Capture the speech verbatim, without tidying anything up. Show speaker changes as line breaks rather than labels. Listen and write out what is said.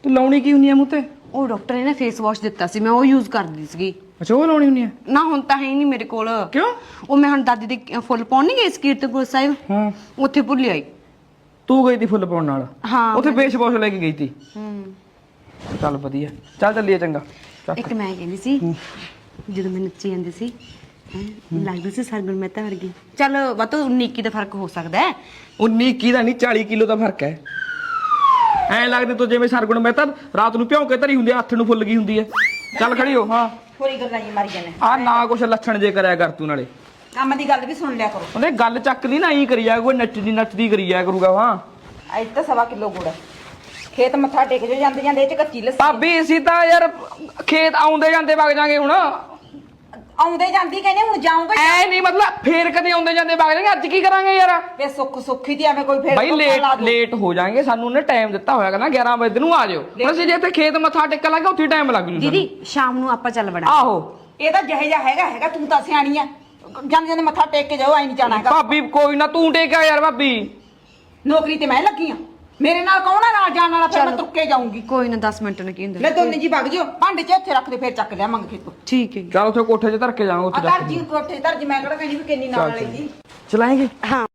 ਤੂੰ ਲਾਉਣੀ ਕੀ ਹੁੰਦੀ ਆ ਮੂੰਹ ਤੇ?
ਉਹ ਡਾਕਟਰ ਨੇ ਨਾ ਫੇਸ ਵਾਸ਼ ਦਿੱਤਾ ਸੀ, ਮੈਂ ਉਹ ਯੂਜ਼ ਕਰਦੀ ਸੀਗੀ।
ਅੱਛਾ ਉਹ ਲਾਉਣੀ ਹੁੰਦੀ ਆ?
ਨਾ ਹੁਣ ਤਾਂ ਹੈ ਹੀ ਨਹੀਂ ਮੇਰੇ ਕੋਲ।
ਕਿਉਂ?
ਉਹ ਮੈਂ ਹੁਣ ਦਾਦੀ ਦੇ ਫੁੱਲ ਪਾਉਣ ਨਹੀਂ ਗਈ ਸੀ ਕੀਰਤਪੁਰ ਸਾਹਿਬ,
ਹਾਂ
ਉੱਥੇ ਭੁੱਲ ਆਈ।
ਤੂੰ ਗਈ ਤੀ ਫੁੱਲ ਪਾਉਣ ਨਾਲ?
ਹਾਂ
ਉੱਥੇ ਫੇਸ ਵਾਸ਼ ਲੈ ਕੇ ਗਈ ਤੀ।
ਹੂੰ
ਚੱਲ ਵਧੀਆ, ਚੱਲ ਚੱਲੀਏ ਚੰਗਾ।
ਇੱਕ ਮੈਂ ਕਹਿੰਦੀ ਸੀ ਜਦੋਂ ਮੈਂ ਨੱਚੀ ਜਾਂਦੀ ਸੀ ਲੱਗਦੀ ਸੀ ਸਰਗੁਣ ਮਹਿਤਾ ਵਰਗੀ। ਚੱਲ ਵੱਧ ਉੱਨੀ ਇੱਕੀ ਦਾ ਫਰਕ ਹੋ ਸਕਦਾ ਹੈ।
ਉੱਨੀ ਇੱਕੀ ਦਾ ਨਹੀਂ ਚਾਲੀ ਕਿਲੋ ਦਾ ਫਰਕ ਹੈ। ਐ ਲੱਗਦੇ ਤੂੰ ਜਿਵੇਂ ਸਰਗੁਣ ਮਹਿਤਾ ਰਾਤ ਨੂੰ ਭਿਉਂ ਕੇ ਧਰੀ ਹੁੰਦੀ ਆ, ਹੱਥ ਨੂੰ ਫੁੱਲ ਗਈ ਹੁੰਦੀ ਹੈ। ਚੱਲ ਖੜੀ ਹੋ। ਹਾਂ
ਹੋਰੀ ਗੱਲਾਂ ਜੀ ਮਾਰੀ ਜਾਂਦੇ
ਆ ਨਾ ਕੁਛ ਲੱਛਣ ਜੇ ਕਰਿਆ ਕਰ ਤੂੰ, ਨਾਲੇ
ਕੰਮ ਦੀ ਗੱਲ ਵੀ ਸੁਣ ਲਿਆ ਕਰੋ।
ਉਹਨੇ ਗੱਲ ਚੱਕ ਲਈ ਨਾ ਹੀ ਕਰੀ ਜਾ, ਕੋਈ ਨੱਚਦੀ ਨੱਚਦੀ ਕਰੀ ਜਾ ਕਰੂਗਾ। ਹਾਂ
ਅੱਜ ਤਾਂ ਸਵਾ ਕਿਲੋ ਗੁੜ ਖੇਤ ਮੱਥਾ ਟੇਕ ਜੋ ਜਾਂਦੇ ਜਾਂਦੇ ਇਹ ਚ ਕੱਚੀ ਲੱਸੀ
ਭਾਬੀ ਅਸੀਂ ਤਾਂ ਯਾਰ ਖੇਤ ਆਉਂਦੇ ਜਾਂਦੇ ਵਗ ਜਾਾਂਗੇ ਹੁਣ।
ਆਉਂਦੇ ਜਾਂਦੀ ਕਹਿੰਦੇ ਹੁਣ ਜਾਊਂਗਾ।
ਐ ਨਹੀਂ ਮਤਲਬ ਫੇਰ ਕਦੇ ਆਉਂਦੇ ਜਾਂਦੇ ਵਗ ਜਾਾਂਗੇ, ਅੱਜ ਕੀ ਕਰਾਂਗੇ ਯਾਰ?
ਵੇ ਸੁੱਖ ਸੁੱਖੀ ਤੇ ਐਵੇਂ ਕੋਈ ਫੇਰ
ਬਾਈ ਲੇਟ ਲੇਟ ਹੋ ਜਾਾਂਗੇ, ਸਾਨੂੰ ਉਹਨੇ ਟਾਈਮ ਦਿੱਤਾ ਹੋਇਆ ਕਹਿੰਦਾ ਗਿਆਰਾਂ ਵਜੇ ਨੂੰ ਆ ਜਾਓ। ਹੁਣ ਅਸੀਂ ਜੇ ਇੱਥੇ ਖੇਤ ਮੱਥਾ ਟੇਕਣ ਲੱਗੇ ਉੱਥੇ ਟਾਈਮ ਲੱਗ ਜੂ।
ਦੀਦੀ ਸ਼ਾਮ ਨੂੰ ਆਪਾਂ ਚੱਲ ਵੜਾਂਗੇ।
ਆਹੋ
ਇਹ ਤਾਂ ਜਿਹੇ ਜਿਹਾ ਹੈਗਾ ਹੈਗਾ, ਤੂੰ ਤਾਂ ਸਿਆਣੀ ਆ, ਜਾਂਦੇ ਜਾਂਦੇ ਮੱਥਾ ਟੇਕ ਕੇ ਜਾਓ, ਐ ਨਹੀਂ ਜਾਣਾ ਹੈਗਾ।
ਭਾਬੀ ਕੋਈ ਨਾ ਤੂੰ ਟੇਕਿਆ ਯਾਰ। ਭਾਬੀ
ਨੌਕਰੀ ਤੇ ਮੈਂ ਲੱਗੀ ਆ, ਮੇਰੇ ਨਾਲ ਕੌਣ ਆ ਨਾਲ ਜਾਣ ਵਾਲਾ? ਫਿਰ ਮੈਂ ਤੁਰ ਕੇ ਜਾਊਂਗੀ।
ਕੋਈ ਨਾ ਦਸ ਮਿੰਟ ਨੇ ਕੀ ਹੁੰਦਾ।
ਲੈ ਦੋਨੇ ਜੀ ਵਗ ਜਿਓ, ਭਾਂਡੇ ਚ ਇੱਥੇ ਰੱਖ ਦੇ, ਫੇਰ ਚੱਕ ਲਿਆਵਾਂਗੇ ਖੇਤੋਂ।
ਠੀਕ ਹੈ ਜੀ।
ਚੱਲ ਉੱਥੇ ਕੋਠੇ 'ਚ ਧਰ ਕੇ ਜਾਵਾਂਗੇ
ਆ
ਉੱਥੇ
ਧਰ ਜੀ ਕੋਠੇ ਧਰ ਜੀ, ਮੈਂ ਕਿਹੜਾ ਕਹਿੰਦੀ ਵੀ ਕਿੰਨੀ ਨਾਲ ਵਾਲੀ ਜੀ
ਚਲਾਏਂਗੇ।
ਹਾਂ